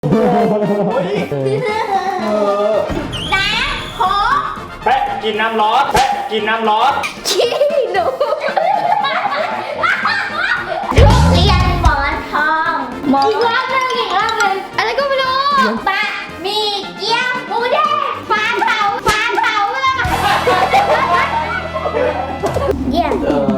น้ำขอแปะกินน้ำร้อนแปะกินน้ำร้อนขี้หนูทุเรียนหมอนทองอีกรอบหนึ่งอะไรก็ไม่รู้บะหมี่เกี๊ยวหมูแดงฟานเผาเลยเยี่ยม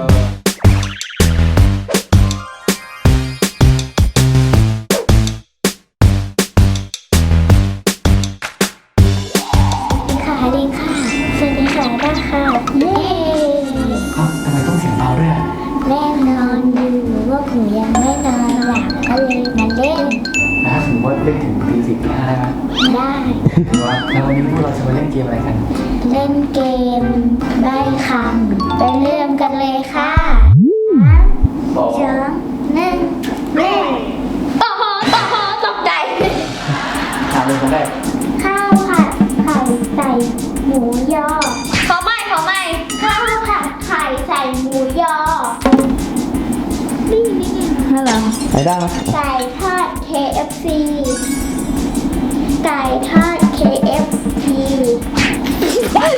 ดีค่ะสวัสดีค่ะได้ค่ะเย้ทำไมต้องเสียงเบาด้วยอ่ะแม่นอนอยู่ว่าผมยังไม่นอนหลับก็เลยมาเล่นถ้าสมมติว่าเล่นถึงตี 4 ตี 5ได้ไหมได้แล้ววันนี้พวกเราจะมาเล่นเกมอะไรกันเล่นเกมได้คำไปเริ่มกันเลยค่ะ3 2 1เล่นโอ้โหตกใจถามเลยคนแรกข้าวผัดไข่ใส่หมูยอขอไม่ข้าวผัดไข่ใส่หมูยอนี่ฮัลโหลไอ้ได้ไหมไก่ทอด KFC ไก่ทอด KFC ไอ้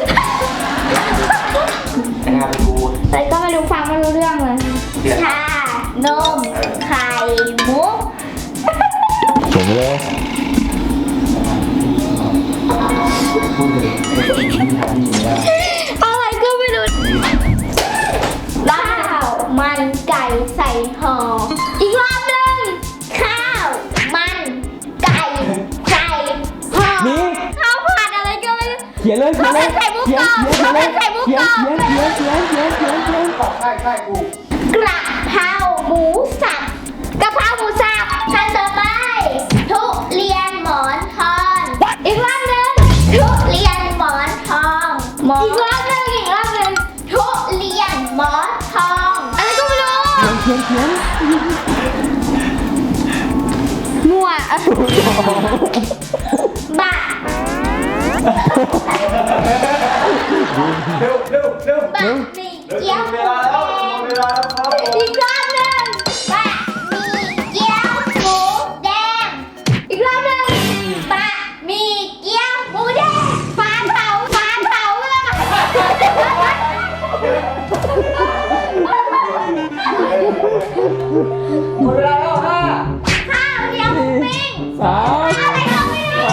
งานไปดูแต่ก็ไม่รู้ฟังไม่รู้เรื่องเลยชานมไข่มุกส่งเลยพูดเลยอะไรก็ไม่รู้ข้าวมันไก่ใส่ห่ออีกรอบหนึ่งข้าวมันไก่ใส่ห่อข้าวผัดอะไรก็ไม่รู้เขียนเลยข้าวผัดไข่มุกกรอบข้าวผัดไข่มุกกรอบใช่กูกระเพราหมูสับขั้นต่อไปทุเรียนหมอนทองอีกรอบหนึ่งทุเรียนหมอนทองอีกรอบหนึ่งทุเรียนหมอนทองอะไรก็ไม่รู้เขียนมั่วบะบะหมี่เกี๊ยวหมูแดงอีกรอบหนึ่งบะหมี่เกี๊ยวหมูแดงอีกรอบหนึ่งบะหมี่เกี๊ยวหมูแดงฟานเผาเลยหมดเวลาแล้ว5 ข้าวเหนียวหมูปิ้ง 3 อะไรก็ไม่รู้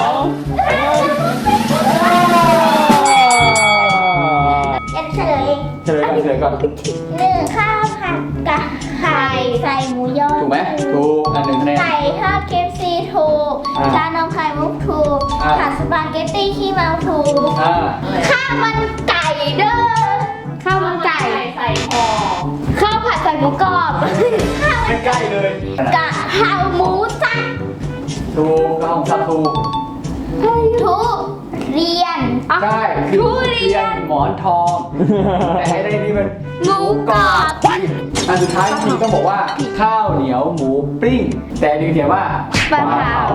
เฉลยก่อน 1ข้าวผัดกะไข่ใส่หมูยอถูกไหมถูกอัน1คะแนนไก่ทอด KFC ถูกชานมไข่มุกถูกผัดสปาเกตตี้ขี้เมาถูกข้าวมันไก่เด้อข้าวมันไก่ใส่ห่อข้าวผัดใส่หมูกรอบใกล้เลยกะเพราหมูสับถูกกะเพราสับถูกทุเรียนใช่ทุเรียนหมอนทองแต่ให้ได้นี่เป็นหมูกรอบอันสุดท้ายจริงต้องบอกว่าข้าวเหนียวหมูปิ้งแต่ดึงเขียนว่าปลาเผา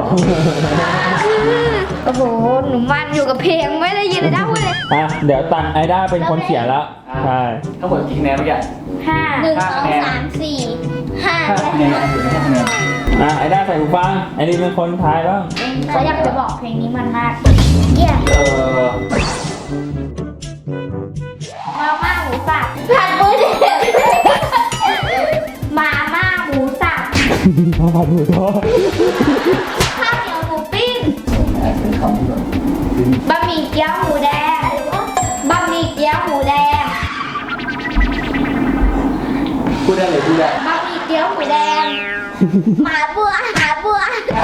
โอ้โหหนูมันอยู่กับเพลงไม่ได้ยินเลยได้พูดเลยเดี๋ยวตันไอด้าเป็นคนเขียนแล้วใช่ทั้งหมดกี่คะแนนเมื่อกี้ 1 2 3 4 5 คะแนนอยู่ในคะแนนไอด้าใส่หูฟังไอดีเป็นคนทายบ้างเขาอยากจะบอกเพลงนี้มันมากเยี่ยมมาม่าหมูสับผัดมือเด็กมาม่าหมูสับข้าวผัดหมูทอดข้าวเหนียวหมูปิ้งเป็นคำที่แบบบะหมี่เกี๊ยวหมูแดงบะหมี่เกี๊ยวหมูแดงพูดได้เลยพูดได้บะหมี่เกี๊ยวหมูแดงหมาบัวหมาบัว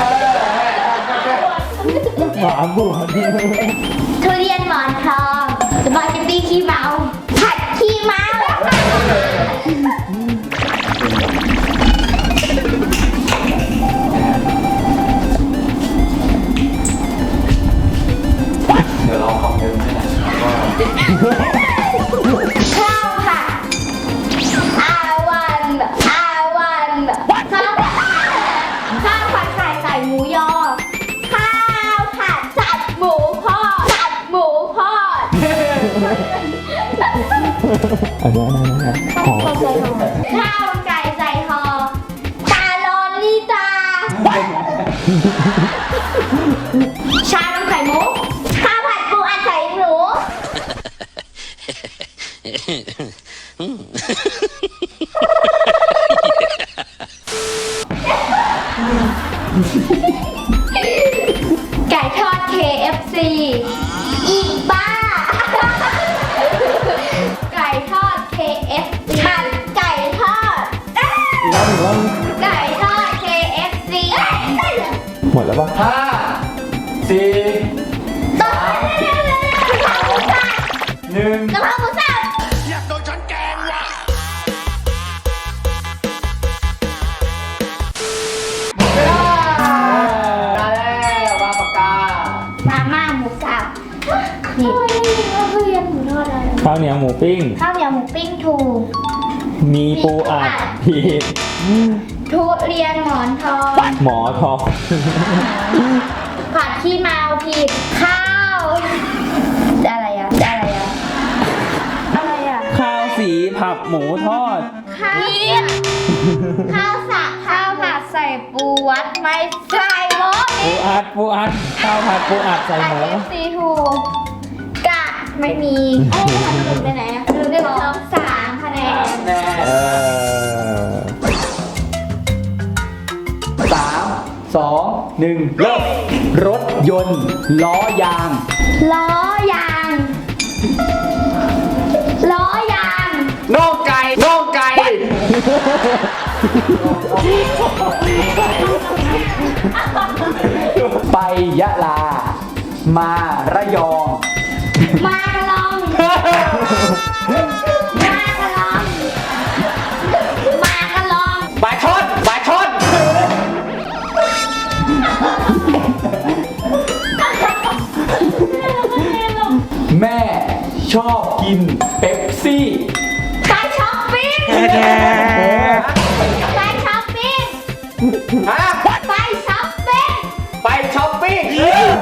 ทุเรียนหมอนทองสปาเกตตี้ขี้เมาผัดขี้เมาเดี๋ยวเราคำเดิมให้นะข้าวผัดอาวันข้าวผัดไข่ใส่หมูยอข้าวผัดสับหมูทอดอันนี้หอมข้าวไก่ใส่ห่อตาลอนลิตาไก่ทอด KFC อีบ้า ไก่ทอด KFC มันไก่ทอดอีกรอบหนึ่งรอบไก่ทอด KFC หมดแล้วปะห้าสี่ต่อไปเลยกะเพราหมูสับหนึ่งกะเพราหมูสับอยากโดนฉันแกล้งว่ะเวลาได้แล้ววางปากกามาม่าหมูสับนี่ทุเรียนหมูทอดอะไรข้าวเหนียวหมูปิ้งข้าวเหนียวหมูปิ้งถูกมีปูอัดผิดทุเรียนหมอนทองหมอทองผัดขี้เมาผิดข้าวอะไรอะอะไรอะอะไรอะข้าวสีผักหมูทอดข้าวข้าวสับข้าวผัดใส่ปูวัดไม่ใส่หม้อปูอัดปูอัดข้าวผัดปูอัดใส่หมูซีถูกกะไม่มีโอ้ยมันไปไหนอะลืมได้บอก3 คะแนนแน่เออสามสองหนึ่งเริ่มรถยนต์ล้อยางล้อยางล้อยางน่องไก่น่องไก่ไประลา มาระยองมากระลองมากระลองมากระลองปลาช่อนปลาช่อนแม่ชอบกินเป๊ปซี่ไปช้อปปิ้งไปช้อปปิ้งฮะไปช้อปปิ้งไปช้อปปิ้ง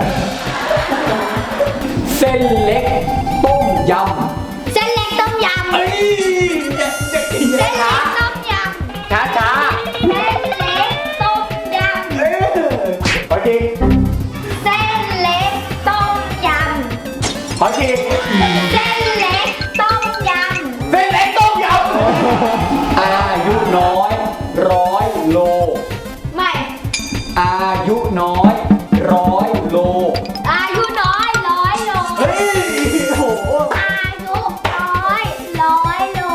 เส้นเล็กต้มยำเส้นเล็กต้มยำเฮ้ยจะกินเส้นช้าเล็กต้มยำช้าช้าเส้นเล็กต้มยำขอจริงเส้นเล็กต้มยขอจริงำเส้นเล็กต้มยเส้นเล็กต้มยำอายุน้อย100 โลำไม่อายุน้อย100 โลอายุน้อย100 โลเฮ้ยโหอายุน้อย100 โล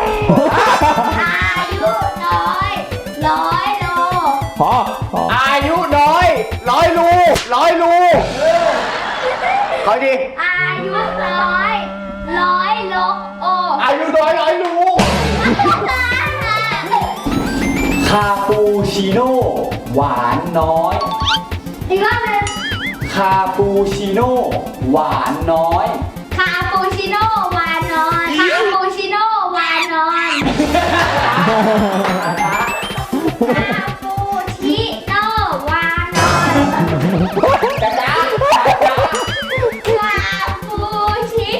อายุน้อย100 โลพออายุน้อย100 ลู100 ลูขอจริงอายุน้อย100 โลโออายุน้อย100 ลู คาปูชิโน่หวานน้อยอีกรอบหนึงคาปูชิโน่หวานน้อยคาปูชิโน่วานอนคาปูชิโน่วานอนคาปูชิโน่วานอนจ้าจ้าคาปูชิ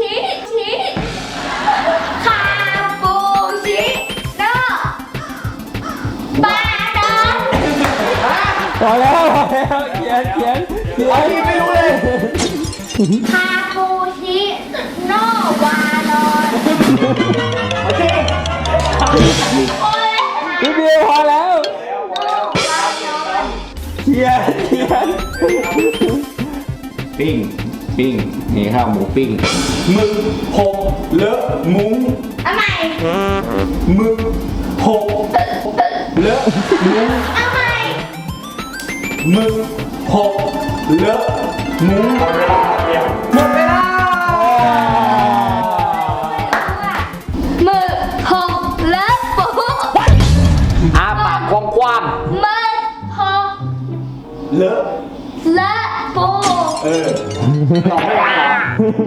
คาปูชิโน่บานอนพอแล้วพอแล้วเขียนอันนี้ไม่รู้เลยคาปูชิโน่วานอนขอจริงโอ้ยพี่เบียร์พอแล้วโน่วานอนเขียนปิ้งนี่ข้าวหมูปิ้งมึกหกเลอะมุ้งเอาใหม่มึกหกเลอะมุ้งเอาใหม่มึกหกเลอะมุ้งหมดเวลาหมดเวลามือหกเลิฟปูอาปากกว้างมือหกๆเลอะเลิฟปูตอบไม่ได้เหรอ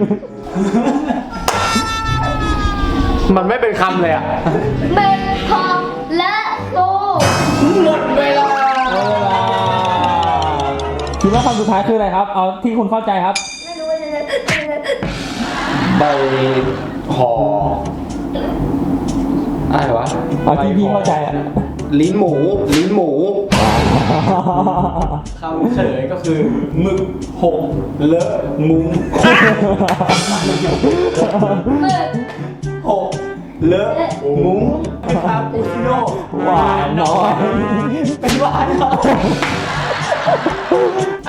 มันไม่เป็นคำเลยอ่ะมือหกเลิฟปูหมดเวลาคิดว่าคำสุดท้ายคืออะไรครับ เอาที่คุณเข้าใจครับไม่รู้ว่าจะใบห่ออะไรวะเอาที่พี่เข้าใจอ่ะลิ้นหมูคำเฉลยก็คือหมึกหกเลอะมุ้งมือหกเลอะมุ้งคาปูชิโน่หวานน้อยเป็นหวานเหรอ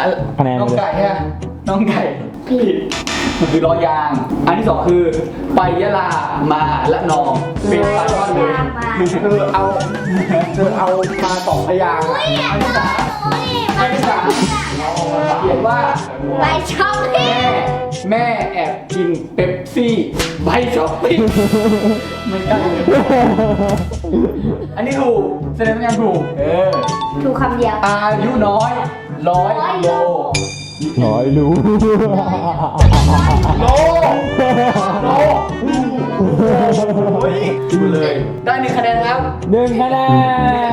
คะแนนน้องเลยไก่ฮะน้องไก่ผิดมันคือล้อยาง อันที่สองคือไปยะลามาละนองเป็นปลาช่อนเลยเธอเอามาสองพยางค์อันที่สามเขียนว่าไปช้อปปิ้งแม่แอบกินเป๊ปซี่ใบช้อปปิ้งไม่ได้เลยอันนี้ถูกแสดงว่ายังถูกถูกคำเดียวอายุน้อย100 โลร้อยรู้โลโอ้ยดูเลย ได้1 คะแนนครับ 1 คะแนน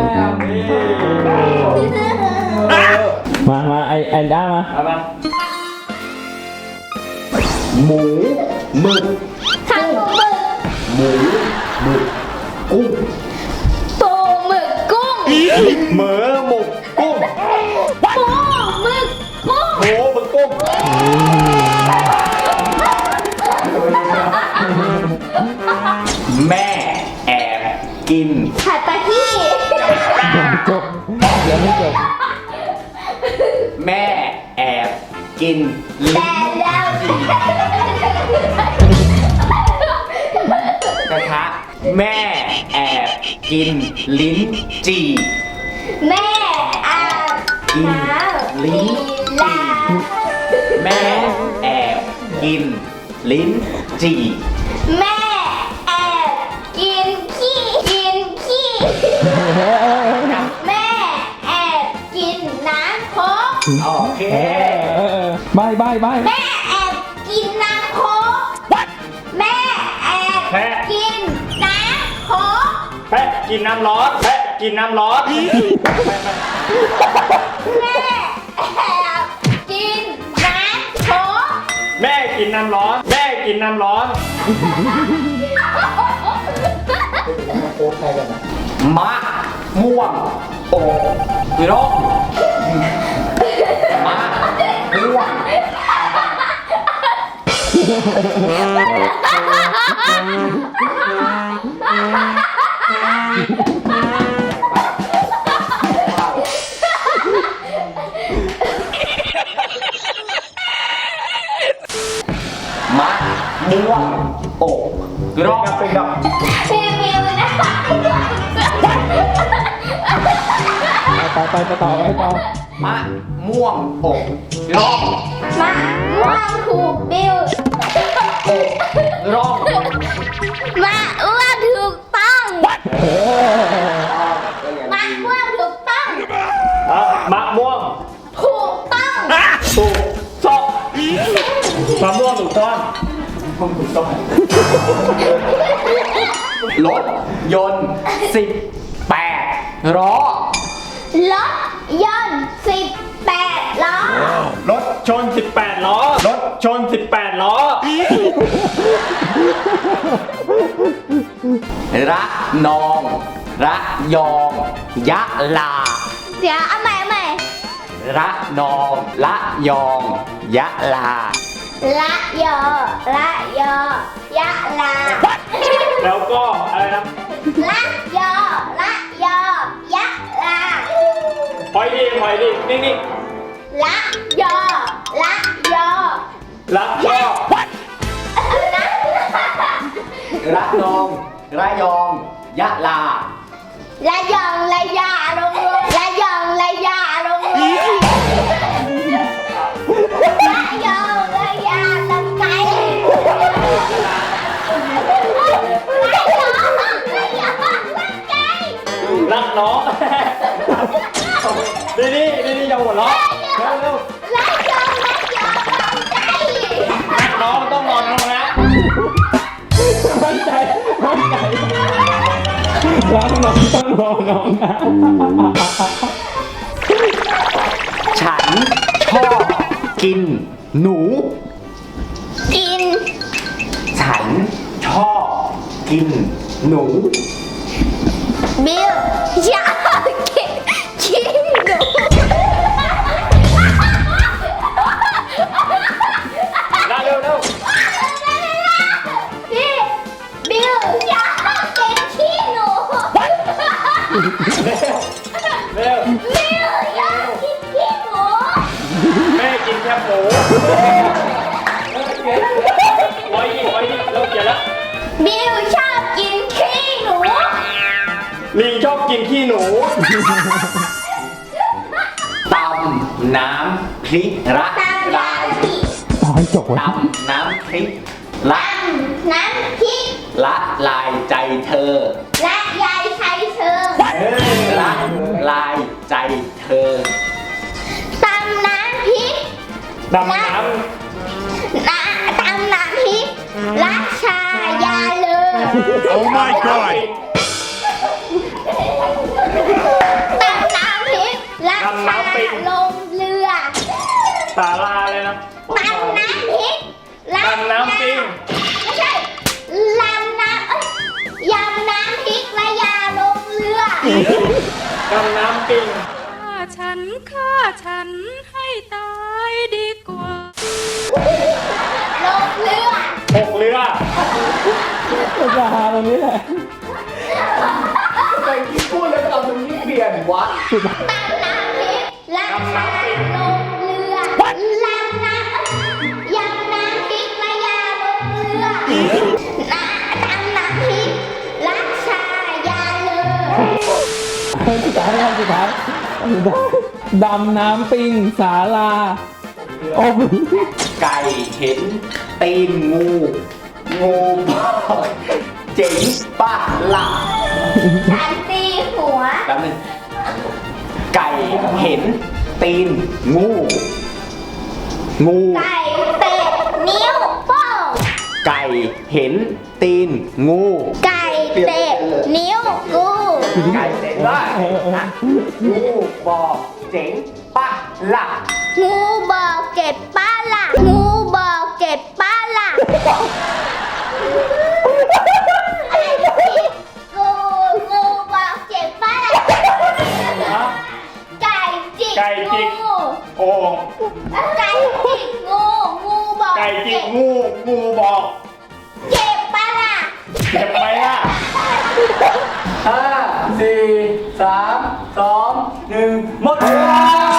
มาไอ้ด้ามาหมูหมึกข้าวหมูหมึกหมูหมึกกุ้งปูหมึกกุ้งเหมือหมกกุ้งปูหมึกกุ้งโหหมึกกุ้งแม่แอบกินผัดปลาที่จบยังไม่จบแม่แอบกินลิ้แต่นแล้วกระทะแม่แอบกินลิ้นจี่แม่อาบกินน้ำลิ้นลาแม่แอบกินลิ้นจี่แม่แอบกินขี้แม่แอบกินน้ำโค้กโอเคใบแม่แอบกินน้ำโค้กแม่แอบกินน้ำโค้กแพะกินน้ำร้อนแพะกินน้ำร้อนแม่แอบกินน้ำโค้กแม่กินน้ำร้อนแม่กินน้ำร้อนมะม่วงโอกร่องมะม่วงมะม่วงโอกร่องพิวนะไปต่อมะม่วงอกร่องมะม่วงถูกบิวร่องมะอ้วนถูกต้องมะม่วงถูกต้องมะม่วงถูกต้องถูกซ่อนมะม่วงถูกซ่อนรถยนต์18 ล้อรถยนต์18 ล้อรถชน18 ล้อรถชน18 ล้อระนองระยองยะลาเดี๋ยวเอาใหม่ระนองระยองยะลาละยอยะลาแล้วก็อะไรนะละยอยะลาพอยดีนิ่งละยอๆแล้วก็นะระนองระยองยะลาละยองละยาลงเลยละยองละยาลงเลยละยองละยาลงไกลละยองละยาลงไกลรักน้อง นี่อย่าหัวเราะเร็วละยองละยาลงไกลๆรักน้องต้องนอนลงนะมั่นใจรักน้องต้องรอน้องนะฉันชอบกินหนูกินฉันชอบกินหนูบิวอยากกินหนูเร็วพี่บิวอยากกินขี้หนูเร็วบิวอยากกินขี้หนูแคบหมูไว้ดิเริ่มเขียนแล้วบิวชอบกินขี้หนูลิงชอบกินขี้หนูตำน้ำพริกละตำลายน้ำพริกตอนจบตำน้ำพริกละตำน้ำพริกละลายใจเธอและยายใช้เชิงละลายใจเธอตำน้ำพริกดำน้ตำน้ำพริกรักชายาเลย Oh my god ตำน้ำพริกรักชาลงเรือำสาลาเลยนะตำน้ำพริกรักดำน้ำปิงไม่ใช่ลำน้ำยำน้ำพริกและยาลงเรือดำน้ำปิงฆ่าฉันให้ตายดีกว่าลงเรือหกเรือจะหาตรงนี้แหละไปที่พูดแล้วเอาตรงนี้เปลี่ยนวะตำน้ำพริกรักชาลงเรือลำน้ำยำน้ำพริกและยาลงเรือตำน้ำพริกรักชายาเลยสุดท้ายดำน้ำปิงศาลาโอ้ไก่เห็นตีนงูงูบอกเจ๋งปะหลับการตีหัวแป๊บนึงไก่เห็นตีนงูงูไก่เตะนิ้วโป้งไก่เห็นตีนงูไก่เตะนิ้วกูไก่เจ๋งว่างูบอกเจ๋งปะหลับงูบอกเก็บป้าละงูบอกเก็บป้าละอะไรผิดงูบอกเก็บป้าละไก่จิกไก่จิกงูโอ่งไก่จิกงูบอกไก่จิกงูงูบอกเก็บป้าละเจ็บไหมล่ะ 5 4 3 2 1หมดเวลา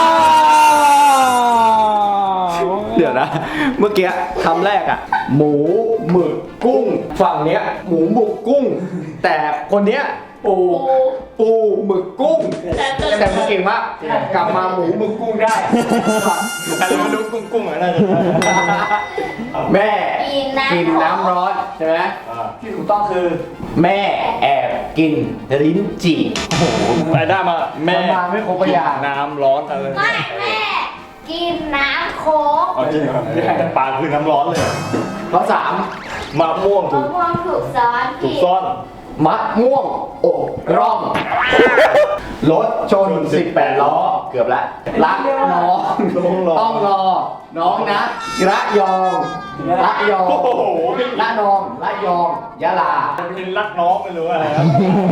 เดี๋ยวนะ เมื่อกี้คำแรกอ่ะ หมูหมึกกุ้ง ฝั่งเนี้ย หมูหมึกกุ้ง แต่คนเนี้ยปูหมึกกุ้ง แต่มึงเก่งมากกลับมาหมูหมึกกุ้งได้แต่เรามาดูกุ้งๆอ่ะน่าจะแม่กินกินน้ำน้ำร้อนใช่ไหมอ่าที่ถูกต้องคือ แม่แอบกินลิ้นจี่ไอ้ได้มาแม่มันมาไม่ครบพยางค์น้ำร้อนอะไรไม่แม่กินน้ำโค้กเอาจริงเหรอปลาคือน้ำร้อนเลยข้อสามมะม่วงมะม่วงถูกซ้อนถูผิกดซ่อนมะม่วงอกร่องรถชน 18 ล้อ เกือบละรักน้องต้องรอ น้องนะระยองระยองโอ้โหพี่ระนองระยองยะลาเป็นรักน้องไม่รู้อะไรครับ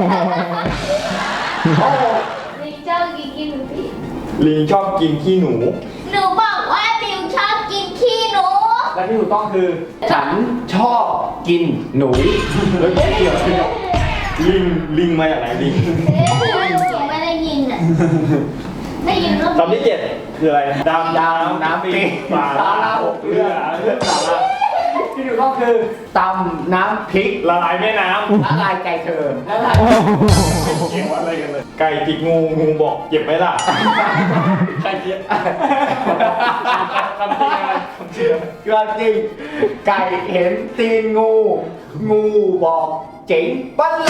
โอ้โหลิงเจ้ากินหนูผิดลิงชอบกินขี้หนูหนูบอกว่าบิวชอบกินขี้หนูและที่ถูกต้องคือ ฉันชอบกินหนูแล้วเกี่ยวกับลิงมาจากไหนลิงไม่ได้ยินอ่ะ ได้ยินว่าคำที่ 7 คืออะไรดำดำน้ำปิงปลาสาราหกเรือสาราที่ถูกต้องคือตำน้ำพริกละลายแม่น้ละลายไก่เธอละลายำเกี่ยวอะไรกันเลย ไก่จิกงูงูบอกเจ็บไหมล่ะไก่เจ็บคำจริงอะไรคำจริงก็จริง ไก่เห็นตีนงู งูบอกเจ๋งปั้นละ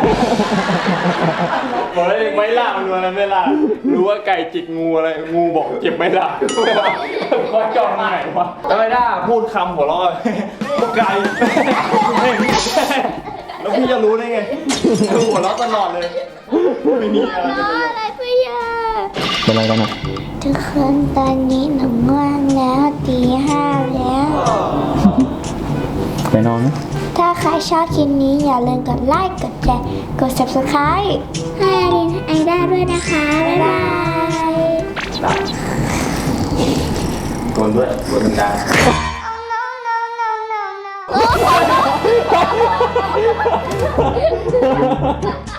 บอกเลยไม่ล่ะมันรู้อะไรไม่ล่ะรู้ว่าไก่จิกงูอะไรงูบอกเจ็บไหมล่ะว่าจองไหนวะทำไมได้พูดคำหัวเราะพวกไก่แล้วพี่จะรู้ได้ไงหัวเราะตลอดเลยไม่มีอะไรน้ออะไรพี่ยาเป็นอะไรกันอ่ะทุกคนตอนนี้หนูง่วงแล้วตีห้าแล้วไปนอนนะถ้าใครชอบคลิปนี้อย่าลืมกดไลค์ กดแชร์ กด subscribe ให้อารินไอด้าด้วยนะคะ บ๊ายบายกวนด้วยกวนดัง Oh, no, no, no, no, no.